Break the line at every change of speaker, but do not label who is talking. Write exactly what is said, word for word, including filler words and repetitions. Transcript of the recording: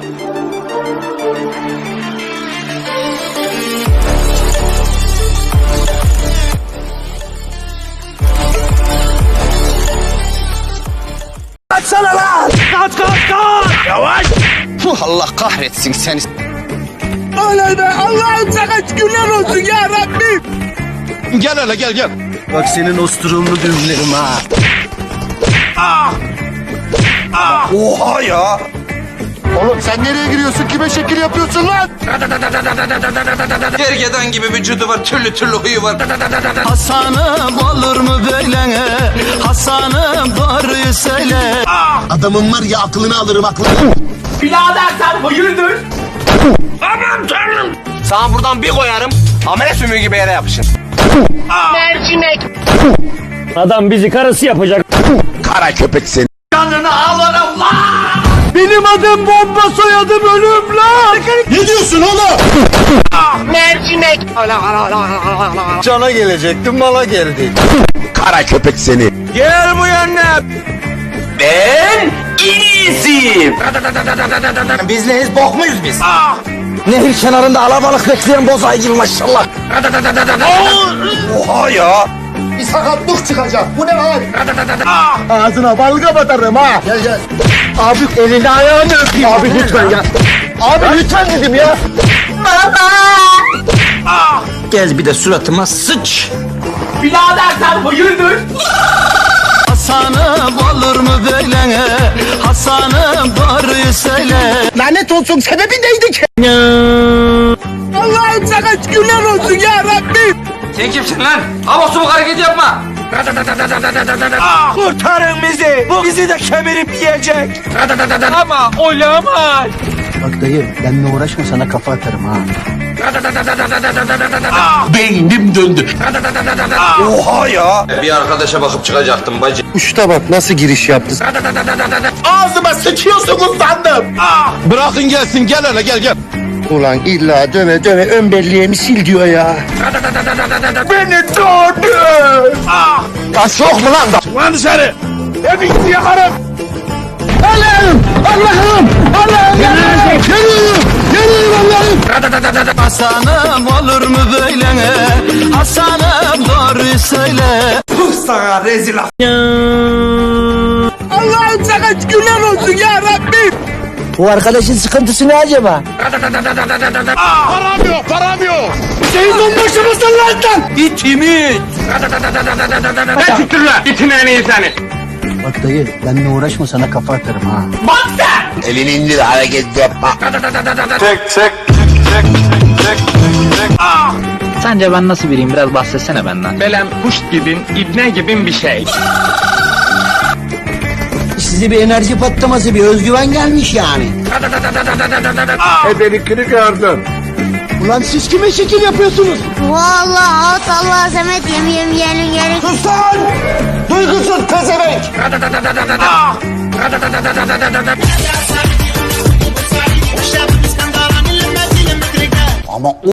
Kaçsana lan! Kaç kaç kaç! Yavaş!
Allah kahretsin seni.
Oley be! Allah'ım sana şükürler olsun ya Rabbim!
Gel hele gel gel.
Bak senin osturumlu düğümlerim ha. Ah! Ah! Oha ya! Oğlum sen nereye giriyorsun? Kime şekil yapıyorsun lan?
Gergedan gibi vücudu var, türlü türlü huyu var.
Hasan'ım olur mu böyle? Hasan'ım doğruyu söyle.
Adamın var ya aklını alırım aklını.
Birader sen hayırdır?
Aman tanrım. Sana buradan bir koyarım. Amele sümüğü gibi yere yapışın.
Adam bizi karısı yapacak.
Kara köpek seni.
Canını alırım lan!
Benim adım bomba, soyadım ölüm lan! Ne diyorsun oğlum?
Mercimek!
Cana gelecektim, mala geldi.
Kara köpek seni. Gel bu yana. Ben iyisiyim.
Biz neyiz, bok muyuz biz?
Nehir kenarında alabalık bekleyen bozay gibi maşallah.
Oha ya! Bir sakatlık çıkacak, bu ne lan? Ağzına balga batarım ha! Gel gel. Abi elini ayağını öpeyim. Abi lütfen ya. Abi lütfen dedim ya.
Gel bir de suratıma sıç.
Birader sen hayırdır?
Hasan'ım olur mu böyle? Hasan'ım doğruyu söyle.
Lanet olsun, sebebi neydi ki? Allah'ım sana şükürler olsun ya Rabbim!
Sen kimsin lan? Abasımı hareket yapma.
Kurtarın bizi! Bu bizi de kemirip yiyecek!
Ama olamaz.
Bak dayı, benimle uğraşma, sana kafa atarım ha.
Beynim döndü.
Oha ya!
Bir arkadaşa bakıp çıkacaktım bacı.
Uçta bak nasıl giriş yaptı. Ağzıma sıçıyorsunuz sandım!
Bırakın gelsin, gel hele gel gel.
Ulan illa döve döve ön belleğimi sil diyor ya. Beni doğdu! Taş yok mu lan?
Lan dışarı.
Hepinizi yakarım! Allah'ım! Allah'ım! Allah'ım! Yanıyorum! Yanıyorum Allah'ım!
Hasan'ım olur mu böyle? Hasan'ım doğruyu söyle.
Sana rezil af.
Allah'ım sana şükürler olsun ya Rabbim! Bu arkadaşın sıkıntısı ne acaba?
Param yok, param yok.
Senin onbaşı mısın lan sen?
İtimi. Ne çıktın lan? İtin en iyi seni.
Bak dayı, benimle uğraşma, sana kafa atarım ha.
Elini indir, hareket yapma.
Sence ben nasıl biriyim? Biraz bahsetsene benden.
Belem kuş gibin, ibne gibin bir şey.
Size bir enerji patlaması, bir özgüven gelmiş yani.
Ebelikini gördüm.
Ulan siz kime şekil yapıyorsunuz?
Vallahi at Allah Samet yem yem yerin yerin.
Sus lan! Duygusuz pezevenk! Ama